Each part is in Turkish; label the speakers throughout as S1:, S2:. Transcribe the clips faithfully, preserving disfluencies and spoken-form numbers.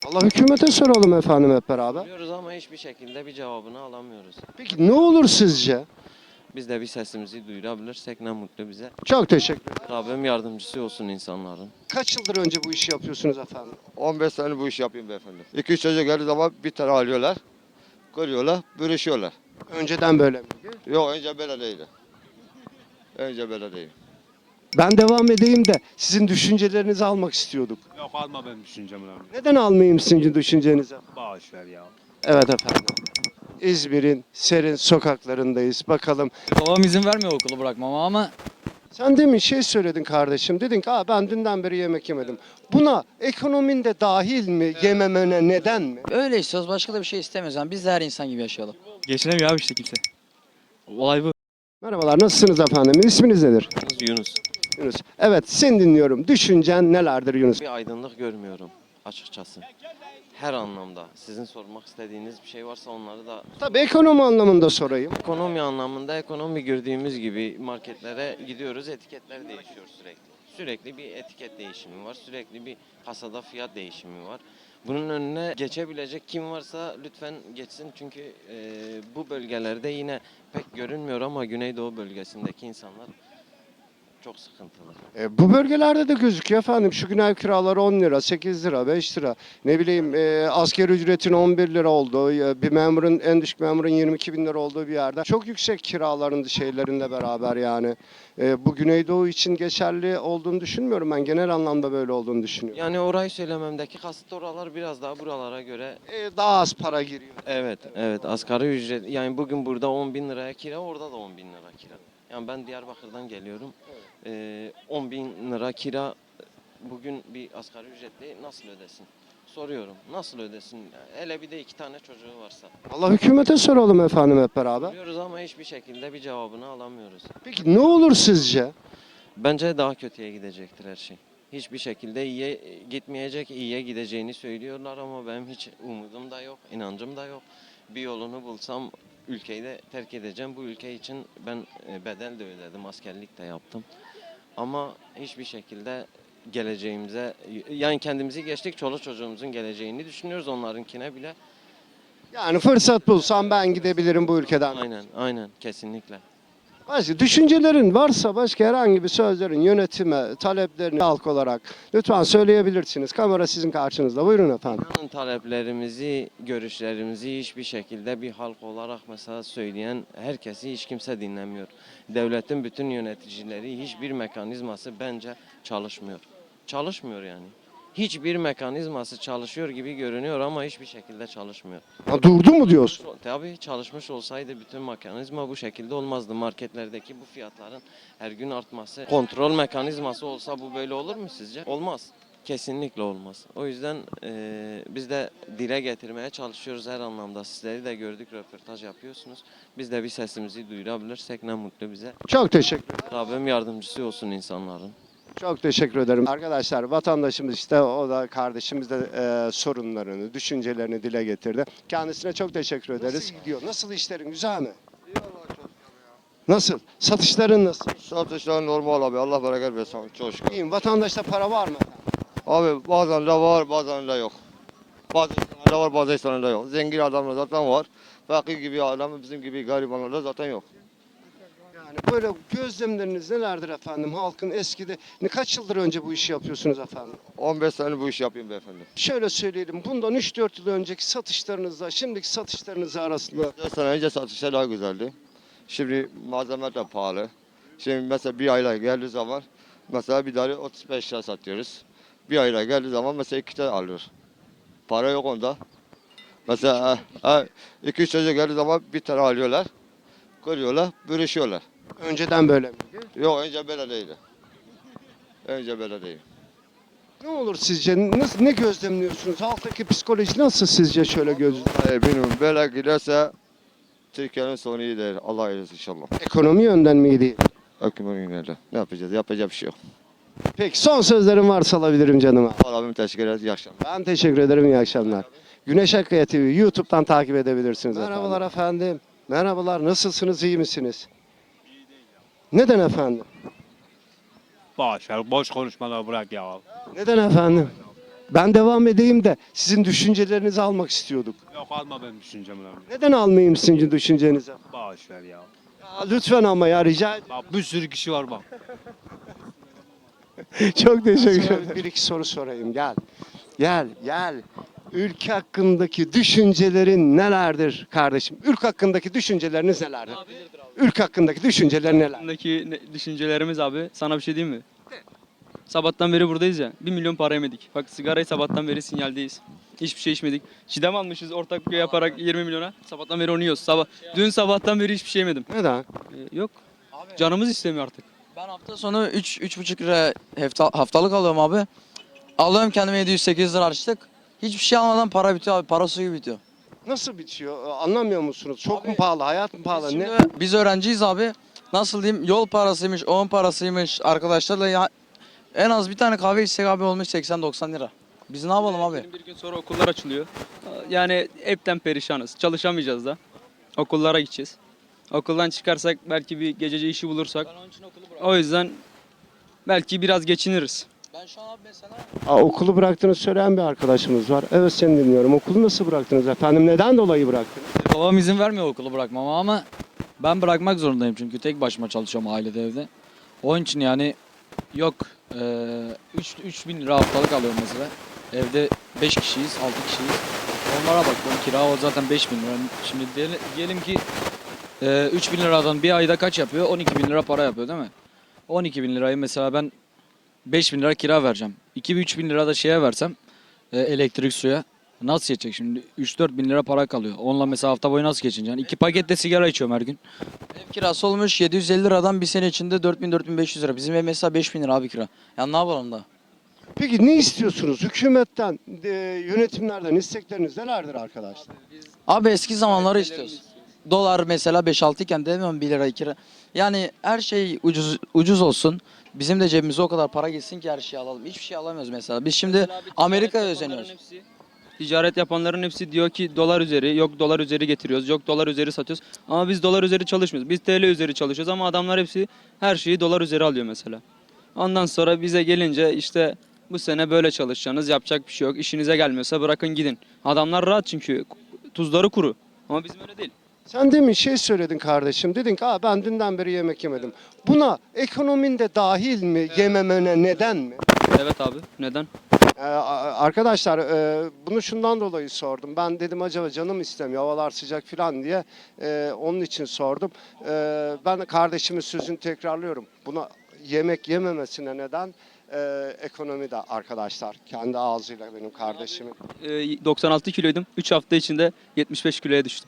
S1: Allah hükümete soralım efendim hep beraber.
S2: Biliyoruz ama hiçbir şekilde bir cevabını alamıyoruz.
S1: Peki ne olur sizce?
S2: Biz de bir sesimizi duyurabilirsek ne mutlu bize.
S1: Çok teşekkür ederim.
S2: Rabbim yardımcısı olsun insanların.
S1: Kaç yıldır önce bu işi yapıyorsunuz efendim?
S3: on beş sene bu işi yapıyorum beyefendi. iki üç çocuk geldiği zaman bir tane alıyorlar, kırıyorlar, bölüşüyorlar.
S1: Önceden böyle miydi?
S3: Yok önce böyle değildi. Önce böyle değil.
S1: Ben devam edeyim de sizin düşüncelerinizi almak istiyorduk.
S4: Yok alma benim düşüncemi abi.
S1: Neden almayayım sizin düşüncenizi?
S4: Bağış ver ya.
S1: Evet efendim. İzmir'in serin sokaklarındayız. Bakalım.
S5: Babam izin vermiyor okulu bırakmama ama
S1: Sen demin şey söyledin kardeşim. Dedin ki Aa, ben dünden beri yemek yemedim. Buna ekonomin de dahil mi? Yememene neden mi?
S5: öyle istiyoruz. Başka da bir şey istemiyoruz. Yani biz de her insan gibi yaşayalım.
S6: Geçinemiyor abi işte kimse. Olay bu.
S1: Merhabalar, nasılsınız efendim? İsminiz nedir?
S2: Yunus,
S1: Yunus. Evet, seni dinliyorum. Düşüncen nelerdir Yunus?
S2: bir aydınlık görmüyorum açıkçası. Her anlamda. Sizin sormak istediğiniz bir şey varsa onları da...
S1: Tabii ekonomi anlamında sorayım.
S2: Ekonomi anlamında ekonomi gördüğümüz gibi marketlere gidiyoruz, etiketler değişiyor sürekli. Sürekli bir etiket değişimi var, sürekli bir kasada fiyat değişimi var. Bunun önüne geçebilecek kim varsa lütfen geçsin çünkü e, bu bölgelerde yine pek görünmüyor ama Güneydoğu bölgesindeki insanlar çok sıkıntılı.
S1: E, bu bölgelerde de gözüküyor efendim. Şu gün ev kiraları on lira, sekiz lira, beş lira. Ne bileyim e, asgari ücretin on bir lira olduğu, e, bir memurun, en düşük memurun yirmi iki bin lira olduğu bir yerde. Çok yüksek kiraların şeylerinde beraber yani. E, bu Güneydoğu için geçerli olduğunu düşünmüyorum ben. Genel anlamda böyle olduğunu düşünüyorum.
S2: Yani orayı söylememdeki kasıt oralar biraz daha buralara göre
S1: E, daha az para giriyor.
S2: evet evet asgari ücret yani bugün burada on bin liraya kira orada da on bin lira kira. Yani ben Diyarbakır'dan geliyorum. Ee, on bin lira kira bugün bir asgari ücretli nasıl ödesin? Soruyorum. Nasıl ödesin? Hele bir de iki tane çocuğu varsa.
S1: Allah hükümete soralım efendim hep beraber.
S2: Biliyoruz ama hiçbir şekilde bir cevabını alamıyoruz.
S1: Peki ne olur sizce?
S2: Bence daha kötüye gidecektir her şey. Hiçbir şekilde iyiye gitmeyecek, iyiye gideceğini söylüyorlar ama benim hiç umudum da yok, inancım da yok. Bir yolunu bulsam ülkeyi de terk edeceğim. Bu ülke için ben e, bedel de ödedim, askerlik de yaptım. Ama hiçbir şekilde geleceğimize, yani kendimizi geçtik, çoluk çocuğumuzun geleceğini düşünüyoruz onlarınkine bile.
S1: Yani fırsat bulsam ben gidebilirim bu ülkeden.
S2: Aynen, aynen, kesinlikle.
S1: Başka düşüncelerin varsa başka herhangi bir sözlerin yönetime, taleplerini halk olarak lütfen söyleyebilirsiniz. Kamera sizin karşınızda. Buyurun efendim.
S2: İnanın taleplerimizi, görüşlerimizi hiçbir şekilde bir halk olarak mesela söyleyen herkesi hiç kimse dinlemiyor. Devletin bütün yöneticileri hiçbir mekanizması bence çalışmıyor. Çalışmıyor yani. Hiçbir mekanizması çalışıyor gibi görünüyor ama hiçbir şekilde çalışmıyor.
S1: Ha, durdu mu diyorsun?
S2: Tabii çalışmış olsaydı bütün mekanizma bu şekilde olmazdı. Marketlerdeki bu fiyatların her gün artması, kontrol mekanizması olsa bu böyle olur mu sizce? Olmaz. Kesinlikle olmaz. O yüzden eee, biz de dile getirmeye çalışıyoruz her anlamda. Sizleri de gördük, röportaj yapıyorsunuz. Biz de bir sesimizi duyurabilirsek ne mutlu bize.
S1: Çok teşekkür ederim.
S2: Rabbim yardımcısı olsun insanların.
S1: Çok teşekkür ederim. Arkadaşlar vatandaşımız işte o da kardeşimiz de e, sorunlarını, düşüncelerini dile getirdi. Kendisine çok teşekkür ederiz. Nasıl gidiyor? Nasıl işlerin? Güzel mi? Nasıl? Satışların nasıl?
S3: Satışlar normal abi. Allah bereket versin. Çok şükür.
S1: İyiyim. Vatandaşta para var mı?
S3: Abi bazen de var bazen de yok. Bazı insanlarda var bazı insanlarda yok. Zengin adamlar zaten var. Fakir gibi adam bizim gibi garibanlarda zaten yok.
S1: Yani böyle gözlemleriniz nelerdir efendim? Halkın eskide ne kaç yıldır önce bu işi yapıyorsunuz efendim?
S3: on beş sene bu işi yapıyorum beyefendi.
S1: Şöyle söyleyelim. Bundan üç dört yıl önceki satışlarınızla şimdiki satışlarınız arasında
S3: dört sene önce satışlar daha güzeldi. Şimdi malzeme de pahalı. Şimdi mesela bir ayla geldiği zaman mesela bir tane otuz beş lira satıyoruz. Bir ayla geldiği zaman mesela iki tane alıyor. Para yok onda. Mesela e, e, iki üç çocuk geldiği zaman bir tane alıyorlar. Kırıyorlar, bölüşüyorlar.
S1: önceden böyle miydi?
S3: Yok önce böyle değildi. Önce böyle değil.
S1: Ne olur sizce? Nasıl, ne gözlemliyorsunuz? Halktaki psikoloji nasıl sizce şöyle göz?
S3: E, bilmiyorum böyle giderse Türkiye'nin sonu iyi değil. Allah eylesin inşallah.
S1: Ekonomi yönden miydi?
S3: Hükümetin günlerinde. Ne yapacağız? Yapacak bir şey yok.
S1: Peki son sözlerim varsa alabilirim canıma.
S3: Allah'ım teşekkür ederiz. İyi akşamlar.
S1: Ben teşekkür ederim. İyi akşamlar. Güneş Akkaya T V YouTube'dan takip edebilirsiniz. Merhabalar efendim. efendim. Merhabalar. Nasılsınız? İyi misiniz? Neden efendim?
S4: Bağış ver. Boş konuşmaları bırak ya.
S1: Neden efendim? Ben devam edeyim de sizin düşüncelerinizi almak istiyorduk.
S4: Yok alma benim düşüncemi abi.
S1: Neden almayayım sizin düşüncenizi?
S4: Bağış ver ya.
S1: Ya lütfen ama ya rica ediyorum.
S4: Bak bir sürü kişi var bak.
S1: Çok teşekkür ederim. Bir iki soru sorayım. Gel. Gel, gel. Ülke hakkındaki düşüncelerin nelerdir kardeşim? Ülke hakkındaki düşünceleriniz nelerdir? Ülke hakkındaki düşünceler neler?
S6: Hakkındaki ne- düşüncelerimiz abi. Sana bir şey diyeyim mi? Sabahtan beri buradayız ya. Bir milyon para yemedik. Bak sigarayı sabahtan beri sinyaldeyiz. Hiçbir şey içmedik. Çiğdem almışız ortak bir yaparak yirmi milyona. Sabahtan beri onu yiyoruz. Sabah, dün sabahtan beri hiçbir şey yemedim.
S1: Neden?
S6: Ee, yok. Canımız istemiyor artık.
S5: Ben hafta sonu üç üç buçuk lira hafta, haftalık alıyorum abi. Alıyorum kendime yedi yüz sekiz yüz lira harçlık. Hiçbir şey almadan para bitiyor abi. Para suyu bitiyor.
S1: Nasıl bitiyor? Ee, Anlamıyor musunuz? Çok
S5: Abi,
S1: mu pahalı? Hayat mı pahalı?
S5: Biz,
S1: Ne?
S5: şimdi, biz öğrenciyiz abi. Nasıl diyeyim? Yol parasıymış, on parasıymış. Arkadaşlarla ya, en az bir tane kahve içsek abi olmuş seksen doksan lira. Biz ne yapalım abi?
S6: Benim bir gün sonra okullar açılıyor. Yani hepten perişanız. Çalışamayacağız da. Okullara gideceğiz. Okuldan çıkarsak belki bir gececi işi bulursak. O yüzden belki biraz geçiniriz.
S5: Ben şu an abi mesela...
S1: Aa, okulu bıraktığını söyleyen bir arkadaşımız var. Evet seni dinliyorum. Okulu nasıl bıraktınız efendim? Neden dolayı bıraktınız?
S5: Babam izin vermiyor okulu bırakmama ama ben bırakmak zorundayım çünkü tek başıma çalışıyorum ailede evde. Onun için yani yok üç üç bin lira haftalık alıyorum mesela. Evde beş kişiyiz, altı kişiyiz. Onlara bakıyorum kira o zaten beş bin lira. Şimdi diyelim, diyelim ki e, üç bin liradan bir ayda kaç yapıyor? on iki bin lira para yapıyor değil mi? on iki bin lirayı mesela ben beş bin lira kira vereceğim. iki üç bin lira da şeye versem e, elektrik suya. Nasıl yetecek şimdi? üç dört bin lira para kalıyor. Onunla mesela hafta boyu nasıl geçineceksin? İki paket de sigara içiyorum her gün. Ev kirası olmuş yedi yüz elli liradan bir sene içinde dört bin dört bin beş yüz lira. Bizim ev mesela beş bin lira abi kira. Ya ne yapalım da?
S1: Peki ne istiyorsunuz? Hükümetten, e, yönetimlerden istekleriniz nelerdir arkadaşlar?
S5: Abi eski zamanları istiyoruz. Dolar mesela beş altı iken demiyorum bir lira iki lira. Yani her şey ucuz ucuz olsun. Bizim de cebimize o kadar para gitsin ki her şeyi alalım. Hiçbir şey alamıyoruz mesela. Biz şimdi Amerika'ya özeniyoruz.
S6: Ticaret yapanların hepsi diyor ki dolar üzeri, yok dolar üzeri getiriyoruz, yok dolar üzeri satıyoruz. Ama biz dolar üzeri çalışmıyoruz. Biz T L üzeri çalışıyoruz ama adamlar hepsi her şeyi dolar üzeri alıyor mesela. Ondan sonra bize gelince işte bu sene böyle çalışacaksınız, yapacak bir şey yok. İşinize gelmiyorsa bırakın gidin. Adamlar rahat çünkü tuzları kuru. Ama bizim öyle değil.
S1: Sen demin şey söyledin kardeşim. Dedin ki Aa, ben dünden beri yemek yemedim. Buna ekonomin de dahil mi? Yememene neden mi?
S6: Evet abi, neden?
S1: Ee, a- arkadaşlar e, bunu şundan dolayı sordum. Ben dedim acaba canım istemiyor havalar sıcak falan diye e, onun için sordum. E, ben kardeşimin sözünü tekrarlıyorum. Buna yemek yememesine neden e, ekonomi de arkadaşlar. Kendi ağzıyla benim kardeşimin.
S6: Ee, doksan altı kiloydum. üç hafta içinde yetmiş beş kiloya düştüm.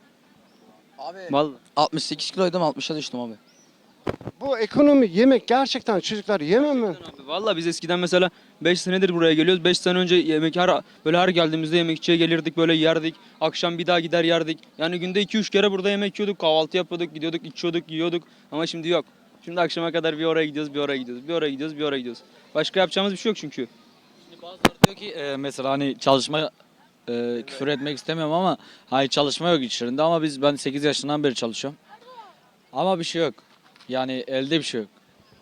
S5: Abi
S6: Vallahi.
S5: altmış sekiz kiloydum altmışa düştüm abi.
S1: Bu ekonomi yemek gerçekten çocuklar yememe.
S6: Abi, vallahi biz eskiden mesela beş senedir buraya geliyoruz. beş sene önce yemek her böyle her geldiğimizde yemekçiye gelirdik böyle yerdik. Akşam bir daha gider yerdik. Yani günde iki üç kere burada yemek yiyorduk. Kahvaltı yapıyorduk, gidiyorduk, içiyorduk, yiyorduk. Ama şimdi yok. Şimdi akşama kadar bir oraya gidiyoruz, bir oraya gidiyoruz, bir oraya gidiyoruz, bir oraya gidiyoruz. Başka yapacağımız bir şey yok çünkü.
S5: Şimdi bazıları diyor ki e, mesela hani çalışma e, küfür etmek istemiyorum ama hani çalışma yok içlerinde ama biz ben sekiz yaşından beri çalışıyorum. Ama bir şey yok. Yani elde bir şey yok.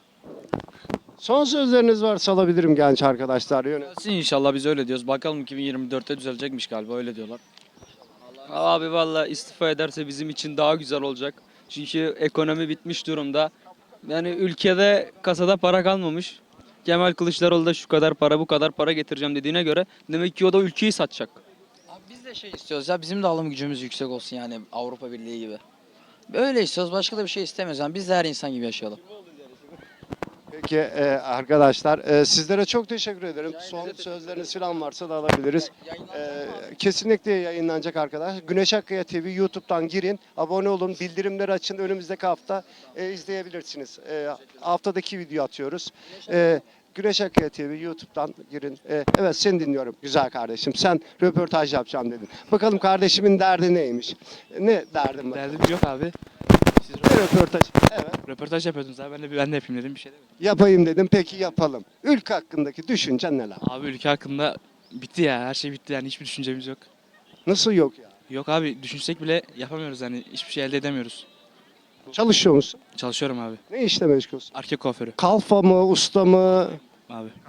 S1: Son sözleriniz varsa alabilirim genç arkadaşlar. Yönet.
S5: Gelsin inşallah biz öyle diyoruz. Bakalım iki bin yirmi dörtte düzelecekmiş galiba öyle diyorlar.
S6: Abi vallahi istifa ederse bizim için daha güzel olacak. Çünkü ekonomi bitmiş durumda. Yani ülkede kasada para kalmamış. Kemal Kılıçdaroğlu da şu kadar para bu kadar para getireceğim dediğine göre demek ki o da ülkeyi satacak.
S5: Abi biz de şey istiyoruz ya bizim de alım gücümüz yüksek olsun yani Avrupa Birliği gibi. Öyle istiyoruz başka da bir şey istemiyoruz. Yani biz de her insan gibi yaşayalım.
S1: Peki e, arkadaşlar e, sizlere çok teşekkür ederim. Son sözleriniz falan varsa da alabiliriz. E, kesinlikle yayınlanacak arkadaş. Güneş Akkaya T V YouTube'dan girin, abone olun, bildirimleri açın. Önümüzdeki hafta e, izleyebilirsiniz. E, haftadaki video atıyoruz. E, Güneş Akkaya T V YouTube'dan girin. E, evet seni dinliyorum güzel kardeşim. Sen röportaj yapacağım dedin. Bakalım kardeşimin derdi neymiş? Ne derdin var?
S6: Derdim yok abi. Siz
S1: Ne röportaj? Evet.
S6: röportaj yapıyordunuz abi ben de, ben de yapayım dedim bir şey demedim.
S1: Yapayım dedim. Peki yapalım. Ülke hakkındaki düşüncen neler?
S6: Abi ülke hakkında bitti ya her şey bitti yani hiçbir düşüncemiz yok.
S1: Nasıl yok ya?
S6: Yok abi düşünsek bile yapamıyoruz yani hiçbir şey elde edemiyoruz.
S1: Çalışıyor musun?
S6: Çalışıyorum abi.
S1: Ne işle meşgulsün?
S6: Erkek kuaförü
S1: Kalfa mı, usta mı?
S6: abi.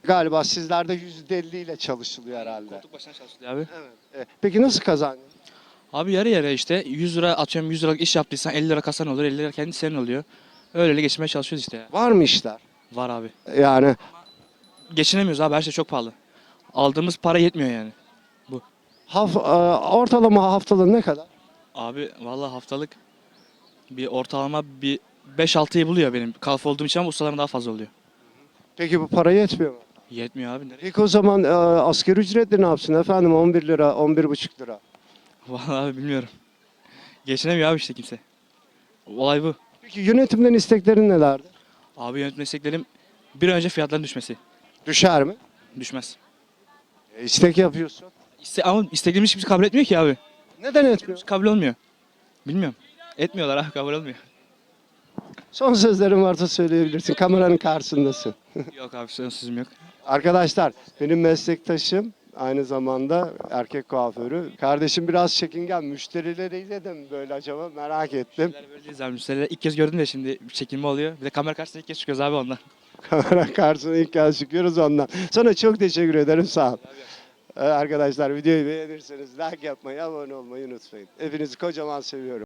S1: Galiba sizlerde yüzde elli ile çalışılıyor herhalde.
S7: Koltuk başına çalışılıyor abi.
S1: Evet. E, Peki nasıl kazandın?
S7: Abi yarı yarıya işte yüz lira atıyorum, yüz liralık iş yaptıysan elli lira kasan olur, elli lira kendi senin oluyor. Öyle geçmeye çalışıyoruz işte ya.
S1: Var mı işler?
S7: Var abi.
S1: Yani
S7: Geçinemiyoruz abi, her şey çok pahalı. Aldığımız para yetmiyor yani.
S1: haf, e, ortalama haftalığı ne kadar?
S7: Abi vallahi haftalık bir ortalama bir beş altıyı buluyor benim. Kalfa olduğum için ama ustalarım daha fazla oluyor.
S1: Peki bu para yetmiyor mu?
S7: Yetmiyor abi. Nereye?
S1: Peki o zaman e, asgari ücretle ne yapsın efendim? on bir lira, on bir buçuk lira.
S7: Vallahi abi bilmiyorum. Geçinemiyor abi işte kimse. Olay bu.
S1: Peki yönetimden isteklerin nelerdi?
S7: Abi yönetim desteklerim bir an önce fiyatların düşmesi.
S1: Düşer mi?
S7: Düşmez.
S1: E, istek yapıyorsun.
S7: İste, ama isteklerimiz kimse kabul etmiyor ki abi.
S1: Neden etmiyor?
S7: Kabul olmuyor. Bilmiyorum. Etmiyorlar abi, kabul olmuyor.
S1: Son sözlerin varsa söyleyebilirsin. Kameranın karşısındasın.
S7: Yok abi, sözüm yok.
S1: Arkadaşlar benim meslektaşım aynı zamanda erkek kuaförü. Kardeşim biraz çekingen. Müşterileriyle de mi böyle acaba merak ettim.
S7: Müşteriler böyle değiliz abi. Müşterileri ilk kez gördüm de şimdi bir çekinme oluyor. Bir de kamera karşısında ilk kez çıkıyoruz abi ondan.
S1: Kamera karşısına ilk kez çıkıyoruz ondan. Sana çok teşekkür ederim, sağ ol. Ee, Arkadaşlar videoyu beğenirseniz like yapmayı, abone olmayı unutmayın. Hepinizi kocaman seviyorum.